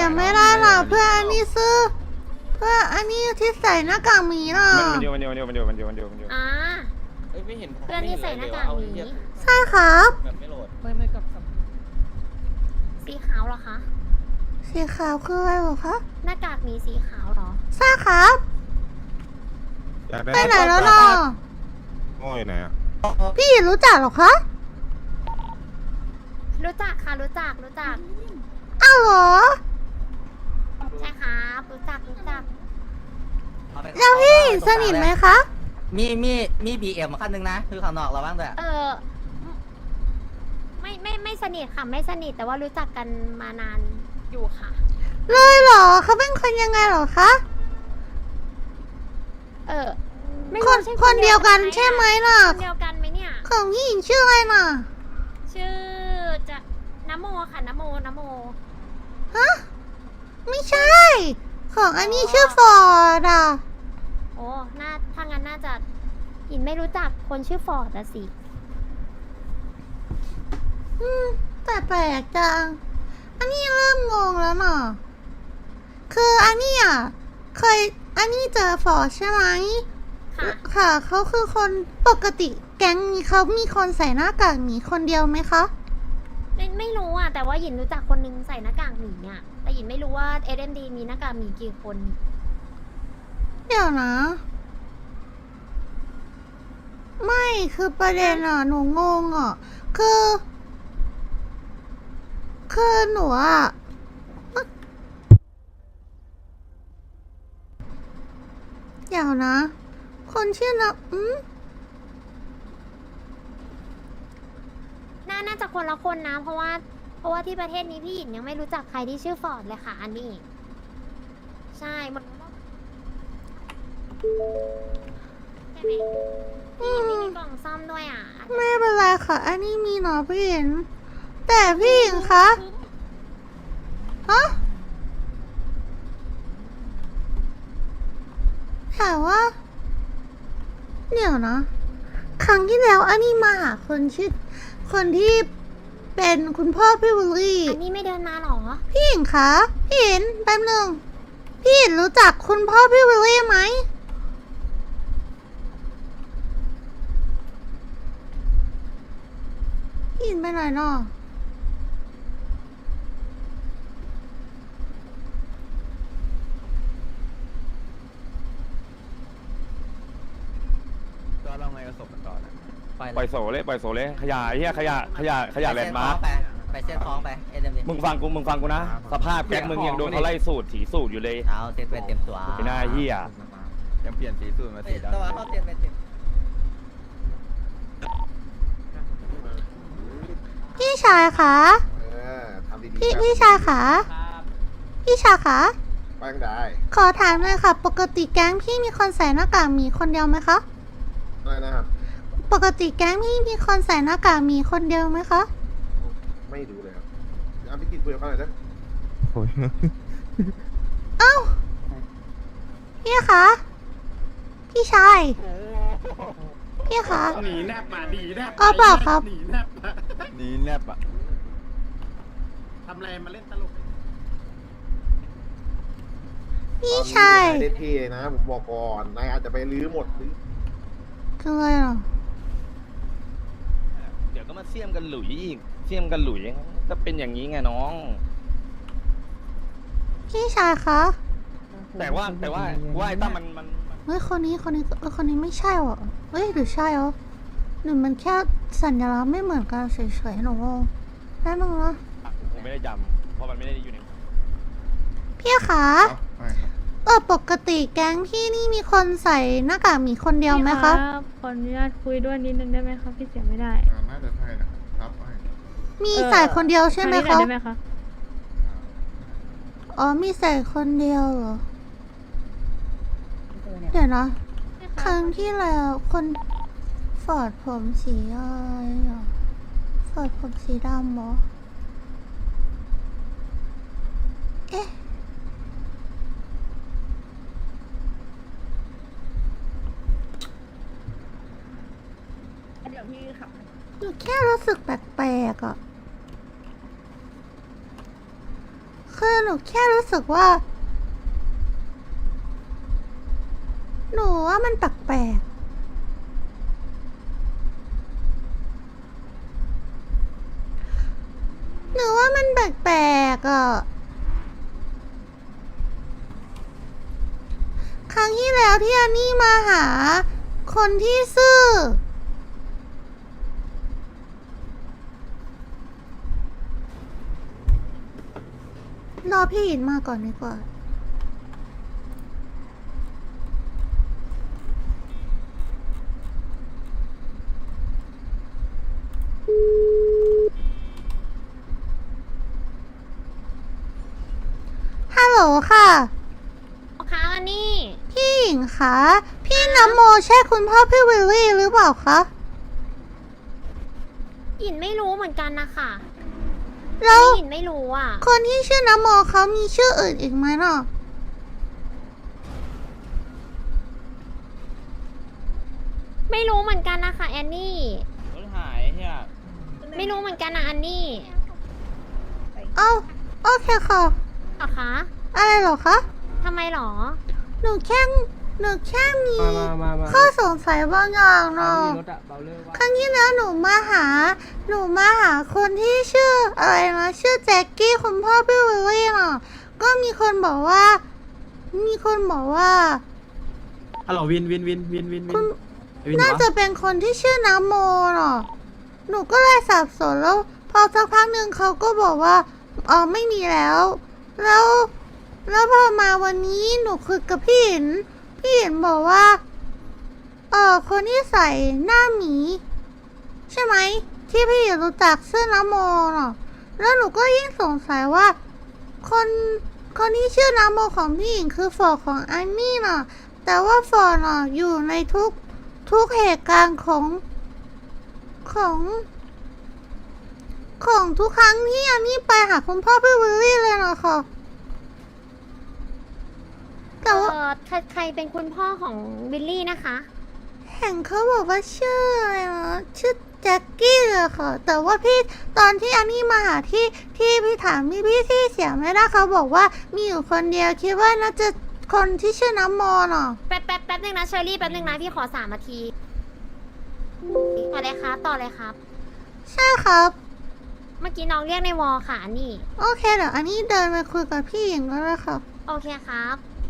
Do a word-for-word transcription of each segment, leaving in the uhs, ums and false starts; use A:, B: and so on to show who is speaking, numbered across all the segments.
A: ำไม่ได้หรอเพื่อนอันนี้ซื้อเพื่อนอันนี้ที่ใส่หน้ากากหมีน่ะ
B: มันเดียวมันเดียวมันเดียวมันเดียวมันเดียวมันเดียวมันเดียว
C: อ่า
D: เอ้ยไม่เห็น
C: เพื่อนที่ใส่หน้ากากหมี
A: ใช่ครับ
D: แบบไม่โหลด
E: ไม่ไม่กับกับ
C: สีขาวเหรอคะ
A: สีขาวคืออะไรเหรอคะ
C: หน้ากากหมีสีขาวเหรอ
A: ใช่ครับ
F: อยากได้
A: ไปไหนแล้วเนาะ
F: โง่อยู่ไหนอ่ะ
A: พี่รู้จักเหรอคะ
C: รู้จักค่ะรู้จักรู้จัก
A: อ้าวเหรอ
C: ใช่ครับรู้จักรู้จัก
A: แล้วพี่สนิทไหมคะ
E: มีมีมีบีเอ็มขั้นหนึ่งนะคือข้างนอกเราบ้างด้วย
C: เออไม่ไม่ไม่สนิทค่ะไม่สนิทแต่ว่ารู้จักกันมานานอยู่ค่ะ
A: เลยเหรอเขาเป็นคนยังไงเหรอคะ
C: เออไม่
A: ค
C: รู้
A: น
C: ใช่
A: คนเดียวกันใช่ไหมล่ะ
C: คนเดียวกันไหมเนี่ย
A: ของพี่หญิงชื่ออะไรน่ะ
C: ชื่อจะนโมค่ะนโมนโม
A: ฮะไม่ใช่ ของอันนี้ชื่อฟอร์ดอ่ะ
C: โอ้น่าถ้างั้นน่าจะหินไม่รู้จักคนชื่อฟอร์ดอะสิ
A: อืมแต่แปลกจัง อันนี้เริ่มงงแล้วน่ะ คืออันนี้อ่ะเคยอันนี้เจอฟอร์ดใช่ไหม
C: ค่ะ
A: ค่ะเขาคือคนปกติแก๊งนี้เขามีคนใส่หน้ากากหมีคนเดียวไหมคะ
C: ไม่ไม่รู้อ่ะแต่ว่าหยินรู้จักคนนึงใส่หน้ากากหมีอ่ะแต่หยินไม่รู้ว่า เอ เอ็ม ดี มีหน้ากากหมีกี่คน
A: เดี๋ยวนะ ไม่คือประเด็นอ่ะ หนูงงอ่ะ คือ คือหนูอ่ะ เดี๋ยวนะ คนชื่อนะอืม
C: น่าน่าจะคนละคนนะ เพราะว่า เพราะว่าที่ประเทศนี้พี่หยินยังไม่รู้จักใครที่ชื่อฟอร์ดเลยค่ะ อันนี้ ใช่หมดใช่ไหมพี่หยินไม่มีกล่องซ่อมด้วยอ่ะ
A: ไม่เป็นไรค่ะ อันนี้มีหนอพี่หญิงแต่พี่หญิงคะ ฮะ ถามว่า เดี๋ยวนะ ครั้งที่แล้วอันนี้มาหาคนชื่อ คนที่เป็นคุณพ่อพี่บุลลี่
C: อันนี้ไม่เดินมาหรอ
A: พี่หญิงคะ พี่หญิงแป๊บหนึ่งพี่หญิงรู้จักคุณพ่อพี่วิลลี่ไหมพี่หญิงไปไหนเนาะ
F: ก็เราไงก็ศพมันก่อนนะ
B: ปล่อยโซเลยปล่อยโซเลยขยะเฮียขยะขยะขยะแลนด์มาร์ค
E: ไปเซ็ตท้องไปเอ็มดี
B: มึงฟังกูมึงฟังกูนะสภาพแก๊งมึงยังโดนเขาไล่สูตรถีสูตรอยู่เลย
E: เท้าเซ็ตไปเต็มตัว
B: ไอ้หน้าเฮีย
F: ยังเปลี่ยนสีสูตรมาสีดำ
E: ตัวเขาเต็มไปเต็ม
A: พี่ชายคะ
G: เออทำดีๆ
A: พี่
G: ครับ
A: พี่ชายคะพี่ชายคะ
G: ไปก็ได้
A: ขอถามเลยค่ะ ปกติแก๊งพี่มีคนใส่หน้ากากหมีคนเดียวไหมคะ
G: อะไรนะครับ
A: ปกติแก๊งพี่มีคนใส่หน้ากากหมีคนเดียวไหมคะ
G: ไม่ดูเลยครับเอาพี่กินคุยกับเขาหน่อยนะ
F: โอ้ย
A: เอ้า พี่คะ พี่ชาย พี่คะ
H: หนีแนบมาหนีแนบ
A: ก็เปล่าครับ
H: หนีแนบมา
F: นี่แนบอ่ะ
H: ทำอะไรมาเล่นตลก
A: พี่ชาย
G: ตอนนี้นายได้เท่นะ ผมบอกก่อน นายอาจจะไปลื้อหมดหรือ
A: คืออะไรเหรอ
B: เดี๋ยวก็มาเสี่ยมกันหลุยอีกเสี่ยมกันหลุยก็เป็นอย่างนี้ไงน้อง
A: พี่ชายคะ
B: แต่ว่าแต่ว่าว่าไอ้ตั้มมันมันมัน
A: เฮ้ย คนนี้ คนนี้เออคนนี้ไม่ใช่หรอเฮ้ย หรือใช่เหรอหรือมันแค่สัญลักษณ์ไม่เหมือนกันเฉยๆหนูงงแป๊บนึงนะ
B: ผมไม่ได้จำเพราะมันไม่ได้อยู่ใน
A: พี่คะเออปกติแก๊งพี่นี่มีคนใส่หน้ากากหมีคนเดียวไหมคะ
I: ขออนุญาตคุยด้วยนิดนึงได้ไหมคะพี่เสียงไม่ได้
F: น่าจะใช่นะครับให้
A: มีใส่คนเดียวใช่ไหม
I: ทาง
A: คะ
I: นี้น่อยได้ไหมคะ
A: อ๋อ มีใส่คนเดียวเหรอ เดี๋ยวนะ ครั้งที่แล้วคนฟอร์ดผมสีอะไรอ่ะฟอร์ดผมสีดำเหรอ เอ๊ะ
I: เดี๋ยวพี่ค่ะ
A: หนูแค่รู้สึกแปลกๆอ่ะ คคือหนูแค่รู้สึกว่า หนูว่ามันแปลกๆหนูว่ามันแปลกๆอ่ะ ครั้งที่แล้วที่อันนี่มาหา คนที่ซื่อ รอพี่อินมาก่อนดีกว่า ฮัลโหลค่ะ
C: คะอันนี้
A: พี่หญิงคะ พี่น้ำโมใช่คุณพ่อพี่วิลลี่หรือเปล่าคะ
C: หยินไม่รู้เหมือนกันนะคะ
A: แล้ว
C: หยินไม่รู้อ่ะ
A: คนที่ชื่อน้ำโมเขามีชื่ออื่นอีกไหมเนาะ
C: ไม่รู้เหมือนกันนะคะแอนนี่
B: รถหายเฮีย
C: ไม่รู้เหมือนกันนะอันนี่
A: เอ้าโอเคค่ะ
C: เหรอคะ
A: อะไรเหรอคะ
C: ทำไมหรอ
A: หนูแค่หนูแค่มี
F: มามามา
A: ข้อสงสัยบางอย่างเนาะ
F: รถอะเบาเลิกว่า
A: ครั้งที่แล้วหนูมาหา หนูมาหาคนที่ชื่ออะไรนะ ชื่อแจ็คกี้คุณพ่อพี่วิลลี่เนาะก็มีคนบอกว่า มีคนบอกว่า
H: ฮัลโหลวินวินวินวินวินวิ
A: คุณ
H: นไอ้วิน
A: น่า
H: เหรอ
A: จะเป็นคนที่ชื่อน้ำโมเนาะหนูก็เลยสับสนแล้ว พอสักพักหนึ่งเขาก็บอกว่าอ๋อไม่มีแล้ว แล้ว แล้วพอมาวันนี้หนูคุยกับพี่หิน พี่หินบอกว่า เออคนที่ใส่หน้าหมี ใช่ไหม ที่พี่หินรู้จักชื่อน้ำโมเนาะแล้วหนูก็ยิ่งสงสัยว่า คนคนที่ชื่อน้ำโมของพี่หญิงคือฟอร์ดของอันนี่เนาะแต่ว่าฟอร์ดเนาะอยู่ในทุกทุกเหตุการณ์ของของ ของทุกครั้งที่อันนี่ไปหาคุณพ่อพี่วิลลี่เลยเนาะค่ะ
C: เอ
A: แต่ว่า
C: อใครใครเป็นคุณพ่อของบิลลี่นะคะ
A: เห็นเขาบอกว่าชื่ออะไรนะชื่อแจ็คกี้เลยค่ะ แต่ว่าพี่ตอนที่อันนี้มาหาที่ที่พี่ถามพี่พี่ที่เสียไม่ได้เขาบอกว่ามีอยู่คนเดียวคิดว่าน่าจะคนที่ชื่อน้ำมอเนาะ
C: แป๊บแป๊บแป๊บนึงนะเชอรี่แป๊บนึงนะพี่ขอสามนาทีต่อเลยครับต่อเลยครับ
A: ใช่ครับ
C: เมื่อกี้น้องเรียกในวอลค่ะอันนี่
A: โอเคเดี๋ยวอันนี้เดินไปคุยกับพี่หญิงแล้วนะคะ
C: โอเคครับ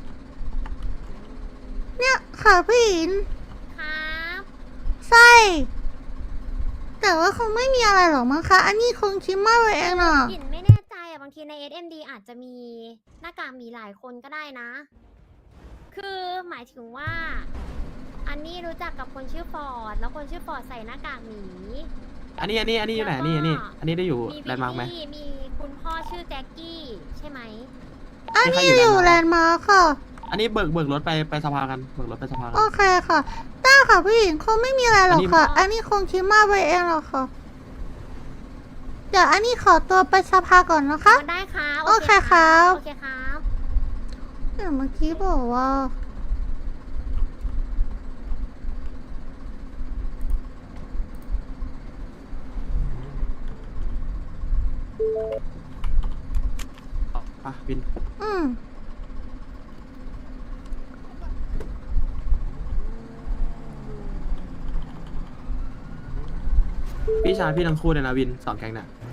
A: เนี่ยค่ะพี่หญิง
C: ครับ
A: ใช่แต่ว่าคงไม่มีอะไรหรอกมั้งคะ อันนี้คงคิดมากไปเองเนาะ
C: หยินไม่แน่ใจอะบางทีใน เอส เอ็ม ดี อาจจะมีหน้ากากหมีหลายคนก็ได้นะ คือหมายถึงว่า อันนี้รู้จักกับคนชื่อฟอร์ดแล้วคนชื่อฟอร์ดใส่หน้ากากหมี
H: อันนี้อันนี้อันนี้อยู่ไหนอันนี้อันนี้อันนี้ได้อยู่
C: มี
H: แลนด์มาร์กไหม
C: บิลลี่มีคุณพ่อชื่อแจ็คกี้ใช่ไหม
A: อันนี้อยู่แลนด์มาร์คค่ะ
H: อันนี้เบิกเบิกรถไปไปสภากันเบิกรถไปสภากัน
A: โอเคค่ะได้ค่ะพี่หญิงคงไม่มีอะไรหรอกค่ะ อันนี้คงคิดมากไปเองหรอกค่ะ เดี๋ยวอันนี้ขอตัวไปสภาก่อนนะคะ
C: ได้ค่ะ
A: โอเคครับ
C: โอเคครับ
A: เดี๋ยวเมื่อกี้บอกว่า
H: อ่ะวิน
A: อืม
H: พี่ชายพี่ทั้งคู่เลยนะวินสองแก๊งเนี่ย